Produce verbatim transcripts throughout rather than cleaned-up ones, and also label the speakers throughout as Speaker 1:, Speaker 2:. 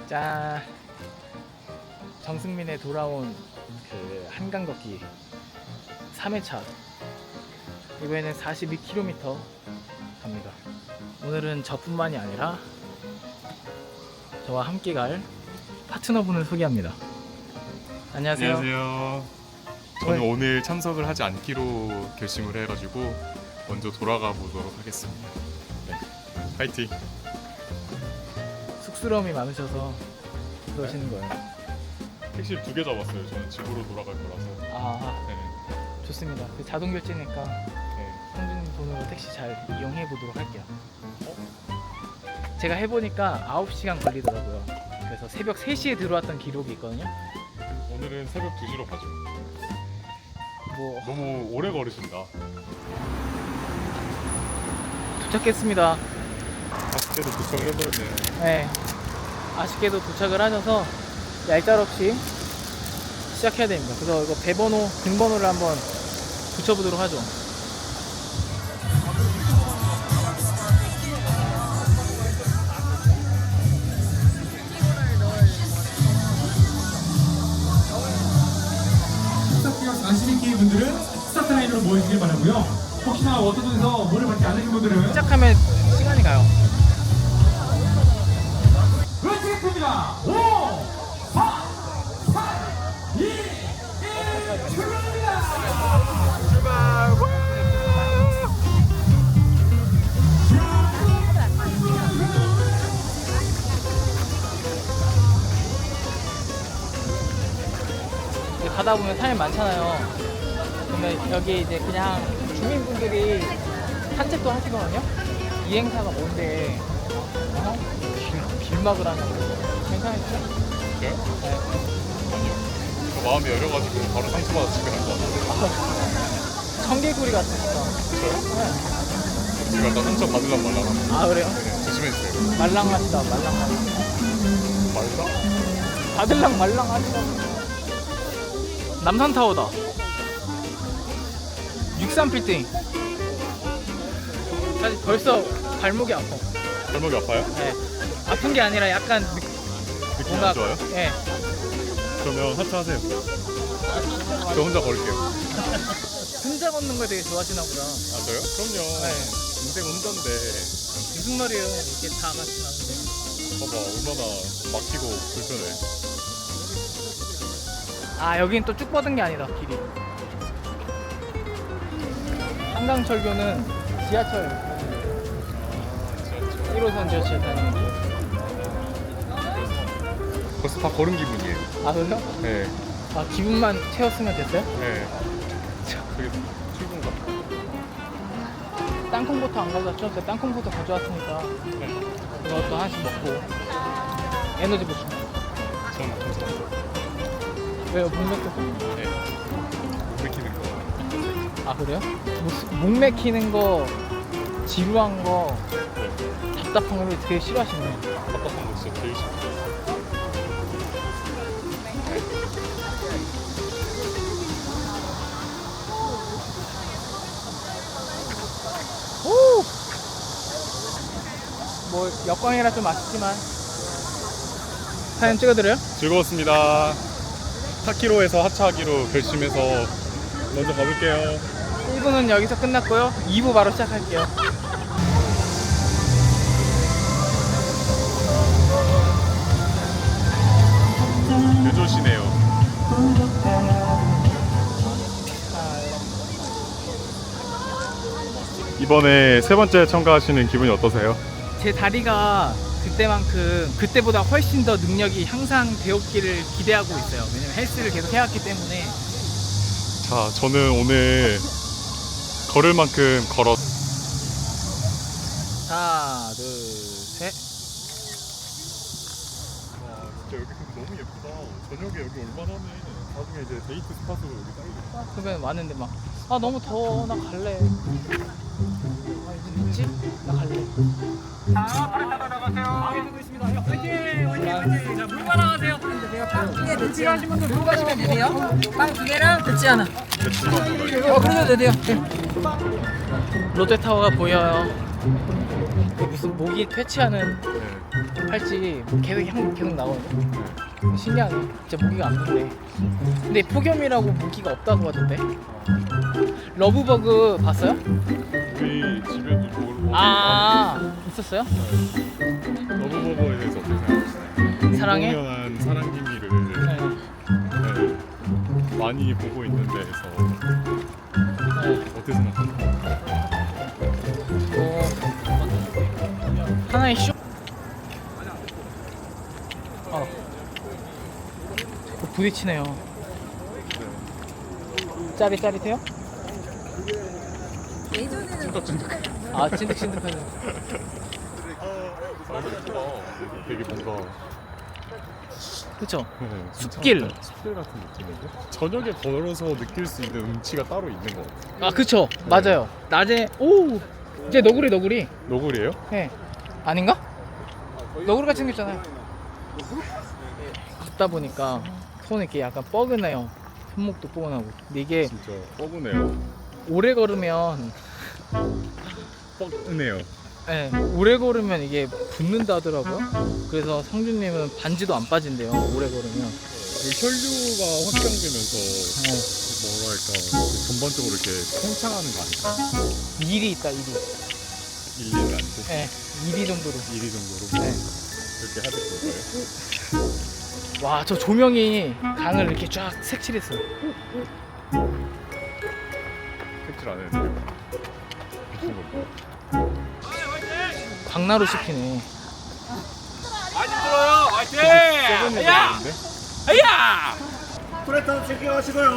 Speaker 1: 짠. 정승민의 돌아온 그 한강 걷기 삼 회차. 이번에는 사십이 킬로미터 갑니다. 오늘은 저뿐만이 아니라 저와 함께 갈 파트너분을 소개합니다. 안녕하세요.
Speaker 2: 안녕하세요. 저는 오늘, 오늘 참석을 하지 않기로 결심을 해가지고 먼저 돌아가 보도록 하겠습니다. 네. 파이팅!
Speaker 1: 쑥스러움이 많으셔서 그러시는 거예요.
Speaker 2: 택시를 두 개 잡았어요. 저는 집으로 돌아갈 거라서.
Speaker 1: 아,
Speaker 2: 네.
Speaker 1: 좋습니다. 그 자동 결제니까
Speaker 2: 네.
Speaker 1: 성준님 돈으로 택시 잘 이용해 보도록 할게요. 어? 제가 해보니까 아홉 시간 걸리더라고요. 그래서 새벽 세 시에 들어왔던 기록이 있거든요.
Speaker 2: 오늘은 새벽 두 시로 가죠.
Speaker 1: 뭐
Speaker 2: 너무 오래 걸으신다.
Speaker 1: 도착했습니다.
Speaker 2: 아쉽게도 도착을 해버렸네요.
Speaker 1: 네, 아쉽게도 도착을 하셔서 얄짤없이 시작해야 됩니다. 그래서 이거 배번호, 등번호를 한번 붙여보도록 하죠.
Speaker 3: 사십이 키 분들은 스타트 라인으로 모여주길 바라고요. 혹시나 워터존에서 물을 받지 않으신 분들은
Speaker 1: 시작하면 시간이 가요.
Speaker 3: 외치겠습니다. 오, 사, 삼, 이, 일, 출발합니다.
Speaker 1: 이제 가다 보면 사람이 많잖아요. 그러면 여기 이제 그냥 주민분들이 산책도 하시거든요. 이 행사가 뭔데 어? 길, 길막을 하냐고. 괜찮으시죠? 예? 네.
Speaker 2: 아니요. 저 마음이 열려가지고 바로 상처받아 집에 갈 것 같아요.
Speaker 1: 청개구리 같으니까.
Speaker 2: 저요?
Speaker 1: 네.
Speaker 2: 지금 약간 상처 받으려고 말라고.
Speaker 1: 아 그래요?
Speaker 2: 네, 조심해주세요.
Speaker 1: 말랑하시다 말랑하시다.
Speaker 2: 말라?
Speaker 1: 받을랑 말랑하시다. 남산타워다. 육삼 빌딩. 사실 벌써 발목이 아파.
Speaker 2: 발목이 아파요?
Speaker 1: 네. 아픈 게 아니라 약간 느,
Speaker 2: 느낌이
Speaker 1: 뭔가
Speaker 2: 안 좋아요?
Speaker 1: 네.
Speaker 2: 그러면 하차하세요. 저 혼자 걸을게요.
Speaker 1: 혼자 걷는 걸 되게 좋아하시나 보다.
Speaker 2: 아 저요? 그럼요.
Speaker 1: 네.
Speaker 2: 인생 혼자인데
Speaker 1: 무슨 말이에요? 이렇게 다 같이 가는데.
Speaker 2: 봐봐 얼마나 막히고 불편해.
Speaker 1: 아 여긴 또 쭉 뻗은 게 아니다 길이. 한강철교는 지하철 일 호선 지하철 다니는 길.
Speaker 2: 벌써 다 걸은 기분이에요.
Speaker 1: 아 그래요?
Speaker 2: 네.
Speaker 1: 아 기분만 채웠으면 됐어요?
Speaker 2: 네. 그게 출근 같아.
Speaker 1: 땅콩부터 안 가져왔죠? 제가 땅콩부터 가져왔으니까
Speaker 2: 네.
Speaker 1: 그것도 하나씩 먹고 에너지 보충.
Speaker 2: 전 괜찮아요.
Speaker 1: 왜요? 목 맥혀서?
Speaker 2: 네. 못 맥히는 거.
Speaker 1: 아 그래요? 목, 목 맥히는 거, 지루한 거,
Speaker 2: 네.
Speaker 1: 답답한 걸 되게 싫어하시네.
Speaker 2: 답답한 거 진짜 제일 싫어.
Speaker 1: 오! 뭐 역광이라 좀 아쉽지만 사진 찍어드려요?
Speaker 2: 즐거웠습니다. 사 킬로미터에서 하차하기로 결심해서 먼저 가볼게요.
Speaker 1: 일 부는 여기서 끝났고요. 이 부 바로 시작할게요.
Speaker 2: 늦으시네요. 이번에 세 번째 참가하시는 기분이 어떠세요?
Speaker 1: 제 다리가 그때만큼 그때보다 훨씬 더 능력이 향상되었기를 기대하고 있어요. 왜냐면 헬스를 계속 해왔기 때문에.
Speaker 2: 자, 저는 오늘 걸을 만큼 걸었.
Speaker 1: 하나, 둘, 셋.
Speaker 2: 와, 진짜 여기 근데 너무 예쁘다. 저녁에 여기 얼마나 하네. 나중에 이제 데이트 스팟으로 여기 딱이겠다.
Speaker 1: 그러면 왔는데 막 아 너무 더워 나 갈래. 아 이제 늦지? 나 갈래. 자, 빨리 나가세요. 마음에 들고 있습니다. 화이팅! 화이팅! 화이팅! 자, 물 말아가세요.
Speaker 4: 두개 늦지
Speaker 1: 필요하신 분들 물 가시면 돼요.
Speaker 4: 돼요? 빵 두 개랑 늦지 않아.
Speaker 1: 어, 그래도 돼요. 롯데타워가 보여요. 그 무슨 모기 퇴치하는
Speaker 2: 네.
Speaker 1: 할지 계속 향 계속 나거든요. 신기하네. 진짜 모기가 안 붙네. 근데 폭염이라고 모기가 없다고 하던데. 러브버그 봤어요?
Speaker 2: 우리 집에도 러브버거
Speaker 1: 아 있었어요?
Speaker 2: 러브버거에 대해서 어떻게 생각하시나요?
Speaker 1: 사랑해?
Speaker 2: 공연한 사랑 기미를
Speaker 1: 네.
Speaker 2: 네, 많이 보고 있는 데에서
Speaker 1: 네.
Speaker 2: 어떻게 생각하세요?
Speaker 1: 어, 하나의 쇼. 어. 자꾸 부딪히네요. 짜릿짜릿해요?
Speaker 4: 예전에는
Speaker 2: 찐득찐득.
Speaker 1: 아 찐득찐득하네.
Speaker 2: 되게 뭔가
Speaker 1: 그쵸?
Speaker 2: 네,
Speaker 1: 숲길.
Speaker 2: 진짜 숲길 같은 느낌인데 저녁에 걸어서 느낄 수 있는 운치가 따로 있는 것 같아요.
Speaker 1: 아 그쵸 맞아요. 낮에 오 이제 너구리 너구리.
Speaker 2: 노골이에요?
Speaker 1: 네 아닌가? 너구리가 생겼잖아요. 걷다 보니까 손이 이렇게 약간 뻐근해요. 손목도 뻐근하고. 근데 이게
Speaker 2: 진짜 뻐근해요.
Speaker 1: 오래 걸으면
Speaker 2: 뻐근해요.
Speaker 1: 네, 오래 걸으면 이게 붓는다 하더라고요. 그래서 성준님은 반지도 안 빠진대요. 오래 걸으면.
Speaker 2: 그 혈류가 확장되면서
Speaker 1: 네.
Speaker 2: 뭐랄까 전반적으로 이렇게 팽창하는 거 아닐까?
Speaker 1: 일이 있다 일이.
Speaker 2: 일 년 안 돼.
Speaker 1: 네, 일이 정도로.
Speaker 2: 일 위 정도로
Speaker 1: 네.
Speaker 2: 그렇게 하실 건가요?
Speaker 1: 와, 저 조명이 강을 이렇게 쫙 색칠했어요.
Speaker 2: 색칠 안 해도 돼요. 미친 거.
Speaker 1: 광나루 씹히네.
Speaker 5: 많이 들어요. 화이팅!
Speaker 2: 썩은
Speaker 5: 야!
Speaker 2: 애들인데?
Speaker 5: 야!
Speaker 6: 프레터 챙겨가시고요.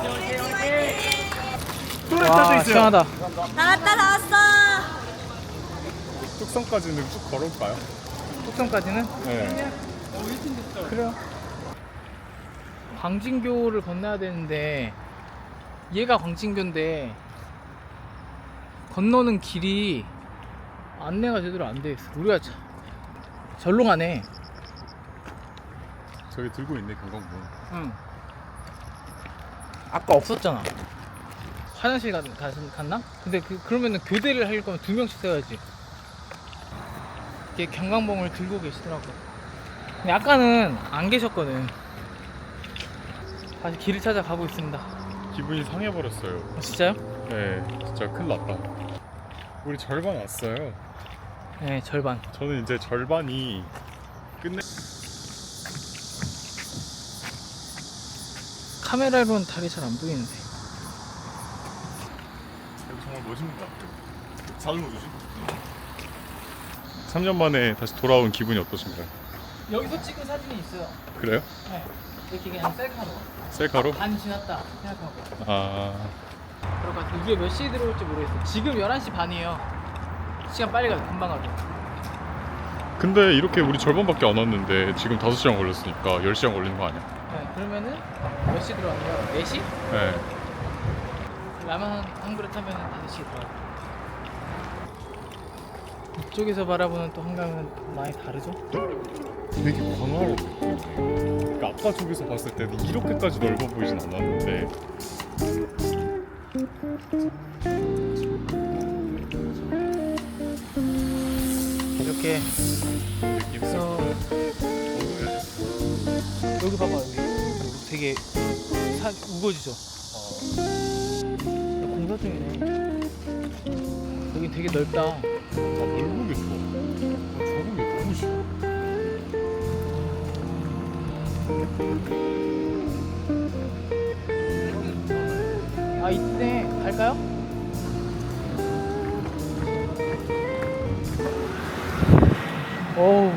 Speaker 1: 와, 시원하다.
Speaker 4: 나왔다 나왔어.
Speaker 2: 뚝섬까지는 쭉 걸을까요?
Speaker 1: 뚝섬까지는?
Speaker 2: 네.
Speaker 1: 그래요. 광진교를 건너야 되는데 얘가 광진교인데 건너는 길이 안내가 제대로 안 돼 있어. 우리가 자, 절로 가네.
Speaker 2: 저기 들고 있네 경광문.
Speaker 1: 응. 아까 없었잖아. 화장실 가, 가, 갔나? 근데 그, 그러면은 교대를 할 거면 두 명씩 써야지. 이게 경광봉을 들고 계시더라고. 근데 아까는 안 계셨거든. 다시 길을 찾아가고 있습니다.
Speaker 2: 기분이 상해버렸어요.
Speaker 1: 아, 진짜요?
Speaker 2: 네, 진짜 큰일 났다. 우리 절반 왔어요.
Speaker 1: 네, 절반.
Speaker 2: 저는 이제 절반이 끝내.
Speaker 1: 카메라로는 달이 잘 안 보이는데.
Speaker 2: 정말 멋있는 것 같아요. 잘 넣어주지? 삼 년 만에 다시 돌아온 기분이 어떠신가요?
Speaker 1: 여기서 찍은 사진이 있어요.
Speaker 2: 그래요?
Speaker 1: 네. 이렇게 그냥 셀카로.
Speaker 2: 셀카로?
Speaker 1: 반 지났다 생각하고.
Speaker 2: 아,
Speaker 1: 그럴 것 같아. 우리가 몇 시에 들어올지 모르겠어. 지금 열한 시 반이에요. 시간 빨리 가요. 금방 가죠.
Speaker 2: 근데 이렇게 우리 절반밖에 안 왔는데 지금 다섯 시간 걸렸으니까 열 시간 걸리는 거 아니야?
Speaker 1: 네, 그러면은 몇 시 들어왔나요? 네 시?
Speaker 2: 네.
Speaker 1: 라면 한, 한 그릇 하면 다섯 시에 들어와요. 이쪽에서 바라보는 또 한강은 많이 다르죠?
Speaker 2: 되게 광활한 느낌. 그러니까 아까 저기서 봤을 때는 이렇게까지 넓어 보이진 않았는데
Speaker 1: 이렇게
Speaker 2: 느낌 있어.
Speaker 1: 해서 여기 봐봐 여기, 여기 되게 산 우거지죠? 공사 중이네. 여기 되게 넓다.
Speaker 2: 아, 넓은 게 좋아. 아, 좁은 게 너무 싫어.
Speaker 1: 아 이때 갈까요? 어우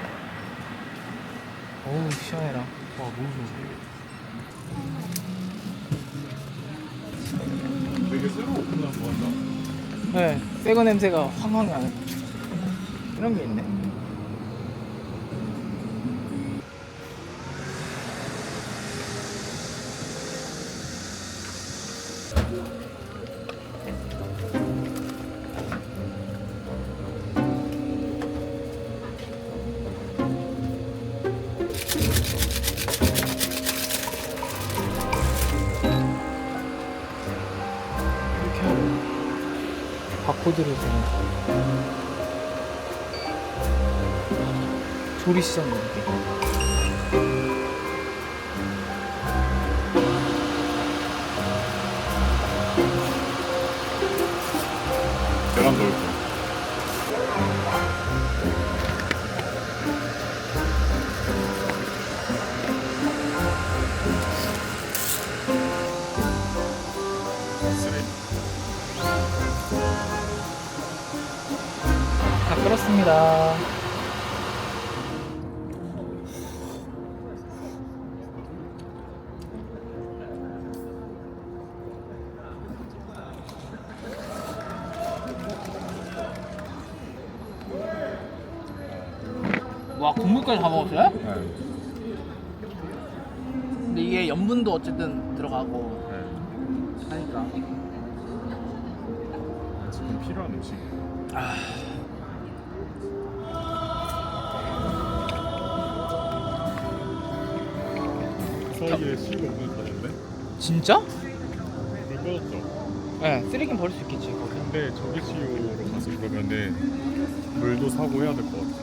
Speaker 1: 어우 시원해라.
Speaker 2: 아, 너무 좋아. 되게 새로 오픈한 거 같다.
Speaker 1: 네, 새거 냄새가 황황 나는 이런 게 있네. 이렇게 하고 바코드를 보내. 조리시장 느낌.
Speaker 2: 계란 넣을 거.
Speaker 1: 다 끓었습니다. 와, 국물까지 다 먹었어요?
Speaker 2: 네.
Speaker 1: 근데 이게 염분도 어쨌든 들어가고
Speaker 2: 네.
Speaker 1: 하니까.
Speaker 2: 지금 필요한 음식. 서희의 시가 오늘 가는데?
Speaker 1: 진짜?
Speaker 2: 불 꺼졌죠?
Speaker 1: 네, 쓰레기는 버릴 수 있겠지 거기.
Speaker 2: 근데 저기 시오로 가서 그러면은 물도 사고 해야 될 것 같아.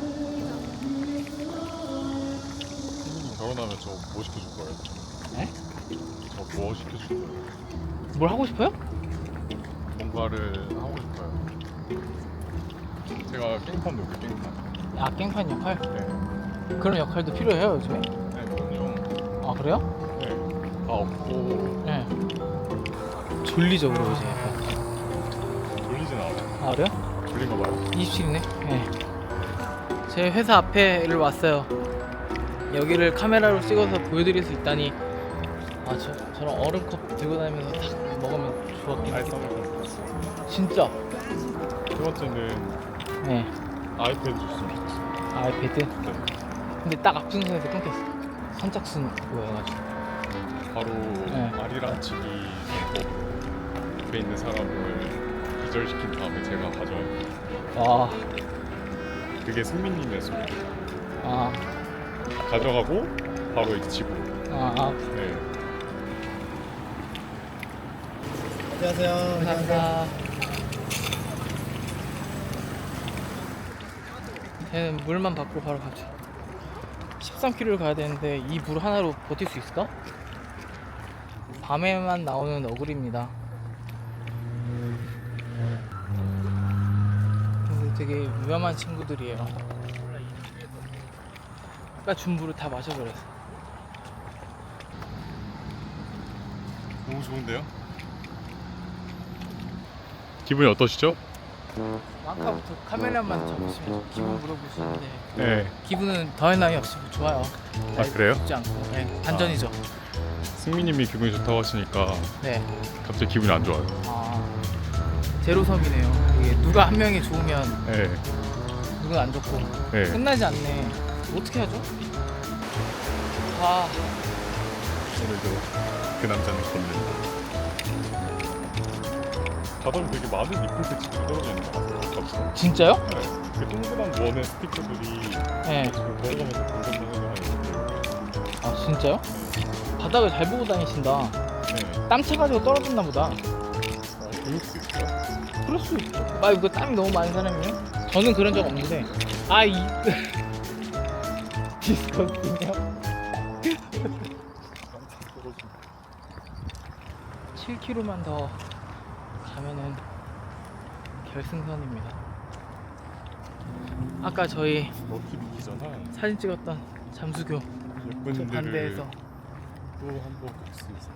Speaker 2: 선생님 결혼하면 저 뭐 시켜줄 거예요?
Speaker 1: 네?
Speaker 2: 저 뭐 시켜줄 거예요?
Speaker 1: 뭘 하고 싶어요?
Speaker 2: 뭔가를 하고 싶어요. 제가 깽판 놓을게요, 깽판.
Speaker 1: 아, 깽판 역할?
Speaker 2: 네.
Speaker 1: 그런 역할도 필요해요 요즘에?
Speaker 2: 네, 그럼요.
Speaker 1: 아, 그래요?
Speaker 2: 네. 다 없고
Speaker 1: 네. 졸리죠 그리고 이제.
Speaker 2: 졸리진 않아요.
Speaker 1: 아, 그래요?
Speaker 2: 졸린가 봐요.
Speaker 1: 이십칠이네. 네. 제 회사 앞에를 왔어요. 여기를 카메라로 찍어서 보여드릴 수 있다니. 아, 저, 저런 얼음컵 들고 다니면서 딱 먹으면 좋았긴
Speaker 2: 아이스
Speaker 1: 하겠다.
Speaker 2: 아메리카노 봤어요.
Speaker 1: 진짜?
Speaker 2: 두 번째는
Speaker 1: 네.
Speaker 2: 아이패드 줬으면 좋겠어요.
Speaker 1: 아이패드?
Speaker 2: 네.
Speaker 1: 근데 딱 앞중선에서 끊겼어. 선착순 그거 해가지고.
Speaker 2: 바로
Speaker 1: 네.
Speaker 2: 아리랑 치기 앞에 있는 사람을 기절시킨 다음에 제가 가져와요.
Speaker 1: 와.
Speaker 2: 그게 승민님의 소리.
Speaker 1: 아.
Speaker 2: 가져가고 바로 이제 집으로.
Speaker 1: 아. 아.
Speaker 2: 네.
Speaker 1: 감사합니다. 얘는 물만 받고 바로 가죠. 십삼 킬로미터를 가야 되는데 이 물 하나로 버틸 수 있을까? 밤에만 나오는 어글입니다. 근데 되게 위험한 친구들이에요. 아까 준 물을 다 마셔버렸어.
Speaker 2: 너무 좋은데요? 기분이 어떠시죠?
Speaker 1: 아까부터 카메라만 잡으시면 기분 물어보시는데
Speaker 2: 네.
Speaker 1: 기분은 더할 나위 없이 좋아요.
Speaker 2: 아, 그래요?
Speaker 1: 죽지 않고. 네, 반전이죠.
Speaker 2: 승민님이 기분이 좋다고 하시니까
Speaker 1: 네.
Speaker 2: 갑자기 기분이 안 좋아요.
Speaker 1: 아, 제로섬이네요. 이게 누가 한 명이 좋으면
Speaker 2: 네.
Speaker 1: 누군 안 좋고
Speaker 2: 네.
Speaker 1: 끝나지 않네. 어떻게 하죠? 아,
Speaker 2: 오늘도 그 남자는 걷는다. 바닥에 되게 많은 리플색이 떨어져 있는 것 같아요.
Speaker 1: 진짜요?
Speaker 2: 네. 그 동그란 원의 스티커들이
Speaker 1: 네.
Speaker 2: 지금 걸어가면서 공전전전하는
Speaker 1: 아, 진짜요? 바닥을 잘 보고 다니신다.
Speaker 2: 네.
Speaker 1: 땀 차가지고 떨어졌나 보다.
Speaker 2: 아, 그럴 수 있어요?
Speaker 1: 그럴 수 있죠. 아, 이거 땀이 너무 많은 사람이에요? 저는 그런 적 없는데. 아, 이 디스커스팅이요? 칠 킬로미터만 더 가면은 결승선입니다. 아까 저희
Speaker 2: 럭키 비키잖아.
Speaker 1: 사진 찍었던 잠수교 저
Speaker 2: 예쁜들을
Speaker 1: 반대에서
Speaker 2: 또 한 번 볼 수 있어.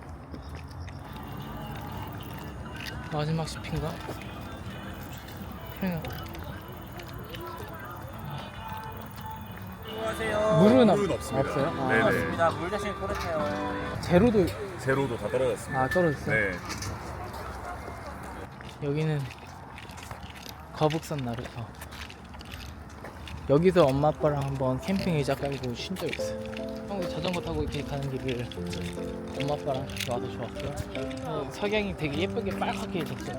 Speaker 1: 마지막 숲인가? 그냥
Speaker 6: 안녕하세요.
Speaker 1: 물은, 없,
Speaker 6: 물은 없습니다.
Speaker 1: 없어요? 아,
Speaker 6: 네네.
Speaker 4: 맞습니다. 물 대신 토르테요.
Speaker 1: 제로도
Speaker 6: 제로도 다 떨어졌습니다.
Speaker 1: 아 떨어졌어요?
Speaker 6: 네.
Speaker 1: 여기는 거북선 나루터. 여기서 엄마 아빠랑 한번 캠핑 의자 깔고 쉰 적 있어요. 형 자전거 타고 이렇게 가는 길을 엄마 아빠랑 같이 와서 좋았고요. 어, 석양이 되게 예쁘게 빨갛게 졌어요.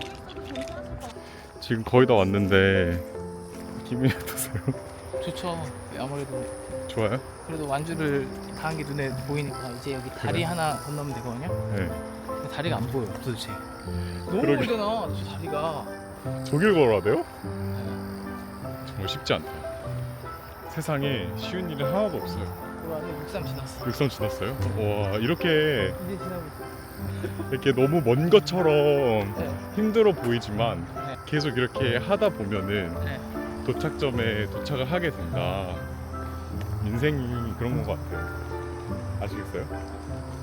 Speaker 2: 지금 거의 다 왔는데 기분이 어떠세요?
Speaker 1: 좋죠. 아무래도
Speaker 2: 좋아요?
Speaker 1: 그래도 완주를 다 한 게 눈에 보이니까 이제 여기 다리
Speaker 2: 그래?
Speaker 1: 하나 건너면 되거든요.
Speaker 2: 네.
Speaker 1: 근데 다리가 안 보여요 도대체. 너무
Speaker 2: 그러게.
Speaker 1: 멀잖아 저 다리가.
Speaker 2: 저길 걸어야 돼요? 정말 쉽지 않다. 세상에 쉬운 일은 하나도 없어요.
Speaker 1: 그 안에 육삼 지났어.
Speaker 2: 육선 지났어요? 와 이렇게
Speaker 1: 이제 지나고 있어.
Speaker 2: 이렇게 너무 먼 것처럼
Speaker 1: 네.
Speaker 2: 힘들어 보이지만
Speaker 1: 네.
Speaker 2: 계속 이렇게 하다 보면은
Speaker 1: 네.
Speaker 2: 도착점에 도착을 하게 된다. 인생이 그런 것 같아요. 아시겠어요?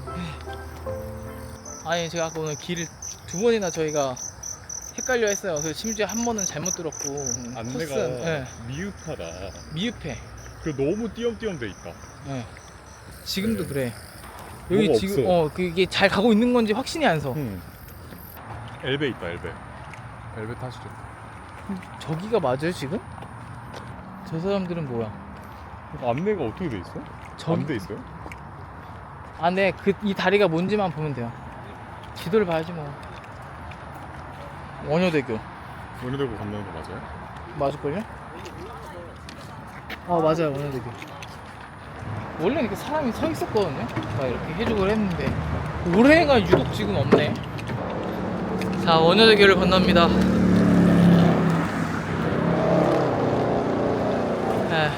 Speaker 1: 아니 제가 아까 오늘 길을 두 번이나 저희가 헷갈려 했어요. 그래서 심지어 한 번은 잘못 들었고
Speaker 2: 안내가
Speaker 1: 코스는, 네.
Speaker 2: 미흡하다.
Speaker 1: 미흡해.
Speaker 2: 그 너무 띄엄띄엄 돼 있다.
Speaker 1: 네. 지금도
Speaker 2: 네.
Speaker 1: 그래. 여기
Speaker 2: 뭐가
Speaker 1: 지금
Speaker 2: 없어.
Speaker 1: 어 그게 잘 가고 있는 건지 확신이 안 서.
Speaker 2: 음. 엘베 있다 엘베. 엘베 타시죠.
Speaker 1: 저기가 맞아요 지금? 저 사람들은 뭐야?
Speaker 2: 안내가 어떻게 돼 있어?
Speaker 1: 저기-
Speaker 2: 안 돼 있어요?
Speaker 1: 아, 네. 그 이 다리가 뭔지만 보면 돼요. 지도를 봐야지 뭐. 원효대교
Speaker 2: 원효대교 건너는 거 맞아요?
Speaker 1: 맞을걸요? 아 맞아요 원효대교. 원래 이렇게 사람이 서 있었거든요. 막 이렇게 해주고 했는데 올해가 유독 지금 없네. 자 원효대교를 건넙니다. 에.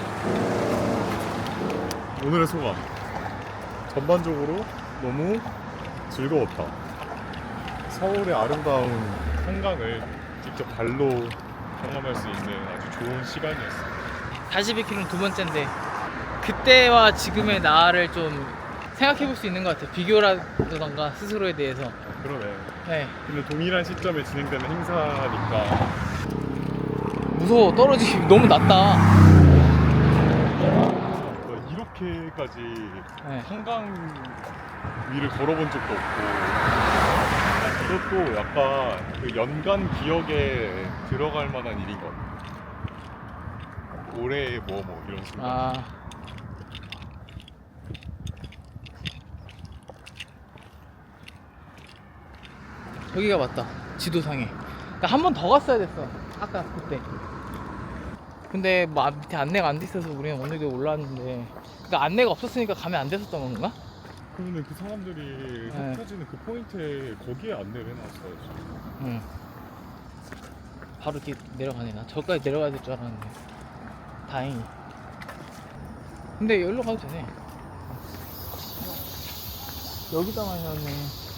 Speaker 2: 오늘의 소감. 전반적으로 너무 즐거웠다. 서울의 아름다운 한강을 직접 발로 경험할 수 있는 아주 좋은 시간이었어요.
Speaker 1: 사십이 킬로미터는 두 번째인데 그때와 지금의 나를 좀 생각해 볼 수 있는 것 같아요. 비교라던가 스스로에 대해서.
Speaker 2: 아, 그러네.
Speaker 1: 네.
Speaker 2: 근데 동일한 시점에 진행되는 행사니까
Speaker 1: 무서워. 떨어지기 너무 낮다.
Speaker 2: 뭐 이렇게까지
Speaker 1: 네.
Speaker 2: 한강 위를 걸어본 적도 없고 이것도 약간 그 연간 기억에 들어갈 만한 일인 것 같아요. 올해 뭐 뭐 이런 식으로.
Speaker 1: 아. 여기가 맞다. 지도상에. 그러니까 한 번 더 갔어야 됐어. 아까 그때. 근데 뭐 앞- 밑에 안내가 안 돼 있어서 우리는 오늘도 올라왔는데. 그러니까 안내가 없었으니까 가면 안 됐었던 건가?
Speaker 2: 그러면 그 사람들이
Speaker 1: 네.
Speaker 2: 흩어지는 그 포인트에 거기에 안내를 해놨어야지.
Speaker 1: 응. 바로 이렇게 내려가네. 나 저기까지 내려가야 될 줄 알았는데. 다행히. 근데 여기로 가도 되네. 여기다만 해놨네.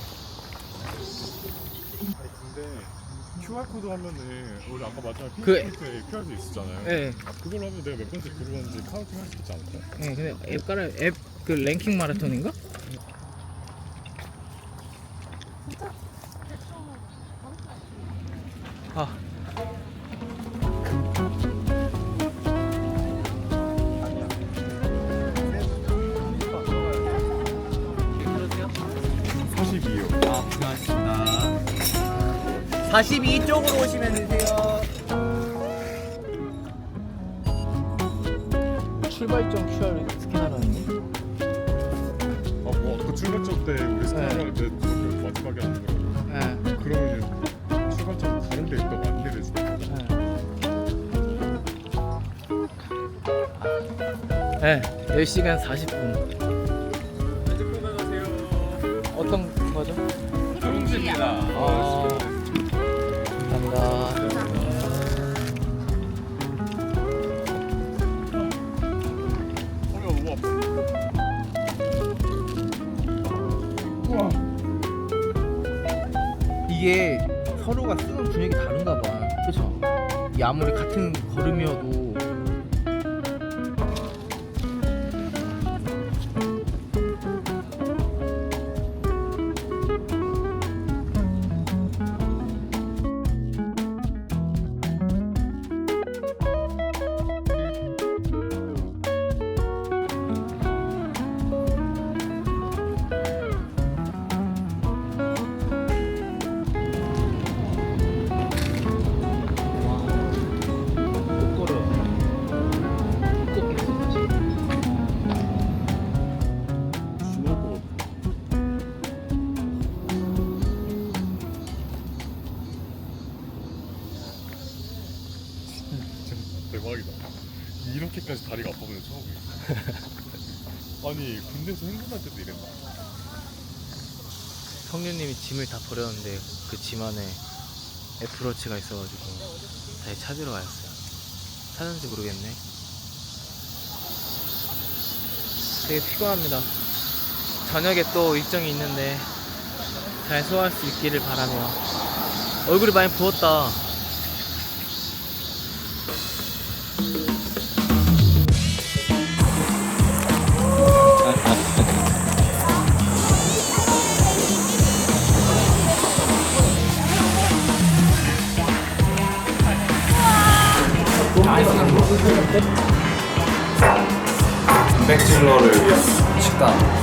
Speaker 2: 근데 큐알코드 하면은 우리 아까 마지막에
Speaker 1: 그-
Speaker 2: 핑크포인트에 큐알코드 있었잖아요.
Speaker 1: 네.
Speaker 2: 그걸로 하면 내가 몇 번째 들어갔는지 카운팅 할 수 있지 않을까요?
Speaker 1: 네, 근데 앱 깔아 앱 그 랭킹 마라톤인가? 아.
Speaker 2: 사십이요.
Speaker 4: 아, 고생하셨습니다. 사십이 쪽으로 오시면 되세요.
Speaker 1: 출발점 큐알 스캔하라는데?
Speaker 2: 아, 뭐 아까 출발점 때 우리 스타일할 때 저기 마지막에 하는 거.
Speaker 1: 네.
Speaker 2: 그러면 출발점 다른 데 있다고 안내를 해주는 거죠.
Speaker 1: 네. 네, 열 시간 사십 분. 어떤 거죠?
Speaker 5: 경주입니다.
Speaker 1: 아, 감사합니다.
Speaker 2: 허리가 너무 아파.
Speaker 1: 이게 서로가 쓰는 분위기 다른가 봐. 그쵸? 이 아무리 같은 걸음이어도 못 걸어요. 못 걷겠어, 사실.
Speaker 2: 지날 것 같아. 진짜 대박이다. 이렇게까지 다리가 아파 보는 처음이에요. 아니 군대에서 행군할 때도 이랬나?
Speaker 1: 성류님이 짐을 다 버렸는데 그 짐 안에 애플워치가 있어가지고 다시 찾으러 가였어요. 찾았는지 모르겠네. 되게 피곤합니다. 저녁에 또 일정이 있는데 잘 소화할 수 있기를 바라며. 얼굴이 많이 부었다.
Speaker 7: 단백질러를 위한 식단